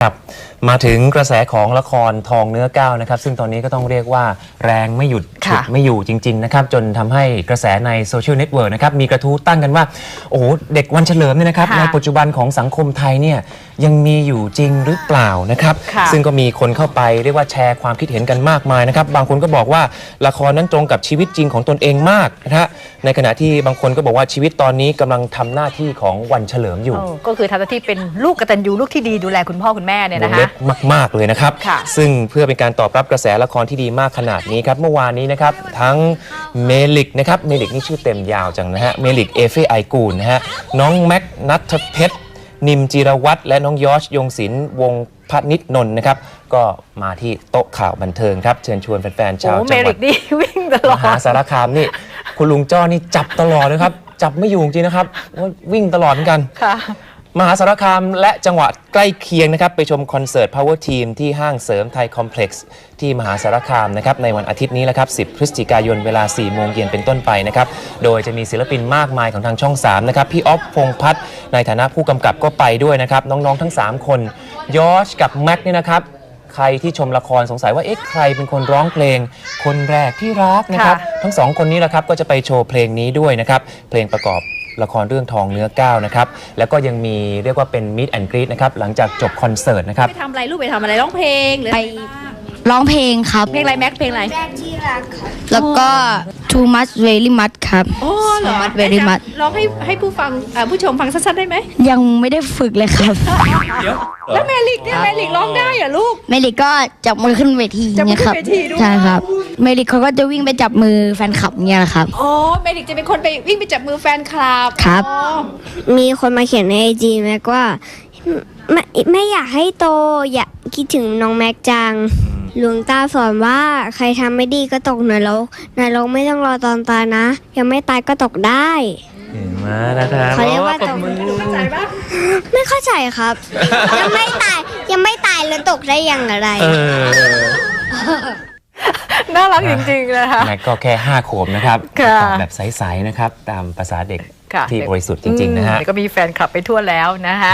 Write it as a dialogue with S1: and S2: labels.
S1: ครับมาถึงกระแสของละครทองเนื้อก้าวนะครับซึ่งตอนนี้ก็ต้องเรียกว่าแรงไม่หยุดฉุดไม่อยู่จริงๆนะครับจนทำให้กระแสในโซเชียลเน็ตเวิร์กนะครับมีกระทู้ตั้งกันว่าโอ้โหเด็กวันเฉลิมเนี่ยนะครับในปัจจุบันของสังคมไทยเนี่ยยังมีอยู่จริงหรือเปล่านะครับซึ่งก็มีคนเข้าไปเรียกว่าแชร์ความคิดเห็นกันมากมายนะครับบางคนก็บอกว่าละครนั้นตรงกับชีวิตจริงของตนเองมากนะฮะในขณะที่บางคนก็บอกว่าชีวิตตอนนี้กำลังทำหน้าที่ของวันเฉลิมอยู่
S2: ก็คือทำหน้าที่เป็นลูกกตัญญูลูกที่ดีดูแลคุณพ่อคุณแม่เนี่ยนะคะ
S1: มากเลยนะครับซึ่งเพื่อเป็นการตอบรับกระแสละครที่ดีมากขนาดนี้ครับเมื่อวานนี้นะครับทั้งเมลิกนะครับเมลิกนี่ชื่อเต็มยาวจังนะฮะเมลิกเอเฟไอกูลนะฮะน้องแม็กนัทเพชรนิมจิรวัตรและน้องยอชยงศิลป์วงศ์พนิชนนท์นะครับก็มาที่โต๊ะข่าวบันเทิงครับเชิญชวนแฟนๆชาวจังหวัดมหาสารคามนี่คุณลุงจ้อนี่จับตลอดเลยครับจับไม่อยู่จริงนะครับว่าวิ่งตลอดเหมือนกันมหาสารคามและจังหวัดใกล้เคียงนะครับไปชมคอนเสิร์ต Power Team ที่ห้างเสริมไทยคอมเพล็กซ์ที่มหาสารคามนะครับในวันอาทิตย์นี้แหละครับ10 พฤศจิกายนเวลา 4 โมงเย็นเป็นต้นไปนะครับโดยจะมีศิลปินมากมายของทางช่อง 3 นะครับพี่อ๊อฟพงษ์พัฒน์ในฐานะผู้กำกับก็ไปด้วยนะครับน้องๆทั้ง 3 คนยอชกับแม็กเนี่ยนะครับใครที่ชมละครสงสัยว่าเอ๊ะใครเป็นคนร้องเพลงคนแรกที่รักนะครับทั้ง2คนนี้แหละครับก็จะไปโชว์เพลงนี้ด้วยนะครับเพลงประกอบละครเรื่องทองเนื้อก้าวนะครับแล้วก็ยังมีเรียกว่าเป็นมิตแอนด์กรีตนะครับหลังจากจบคอนเสิร์ตนะครับ
S3: ไปทำอะไรลูกไปทำอะไรร้องเพลงหรือ
S4: ไปร้องเพลงครับ
S3: เพลงอะไรแม็กเพลงอะไร
S4: แรกที่รักครับแล้วก็ too much very much ครับ
S3: อ๋อเหรอ
S4: too much very much
S3: ร้องให้ผู้ฟังผู้ชมฟังชัดๆได้ไหม
S4: ยังไม่ได้ฝึกเลยครับ
S3: แล้วเมลิกเนี่ยเมลิกร้องได้เหรอลูก
S4: เมลิกก็จับมือขึ้นเวทีเนี่ยครับใช่ครับเมลิกเขาก็จะวิ่งไปจับมือแฟนคลับเนี่ยแหละครับ
S3: อ๋อเมลิกจะเป็นคนไปวิ่งไปจับมือแฟนคลับ
S4: ครับมีคนมาเขียนใน IG แม็กว่าไม่อยากให้โตอยากคิดถึงน้องแม็กจังหลวงตาสอนว่าใครทำไม่ดีก็ตกนรกไม่ต้องรอตอนตายนะยังไม่ตายก็ตกได้
S1: มานะครับ
S4: เขาเรียกว่าตก
S3: เข้าใจปะ
S4: ไม่เข้าใจครับ ยังไม่ตายแล้วตกได้ยังอะไร
S2: น่ารักจริงๆนะคะ
S1: แม็กก็แค่5 ขวบนะครับตอบแบบใสๆนะครับตามภาษาเด็กที่บริสุทธิ์จริงๆนะฮะ
S2: ก็มีแฟนคลับไปทั่วแล้วนะคะ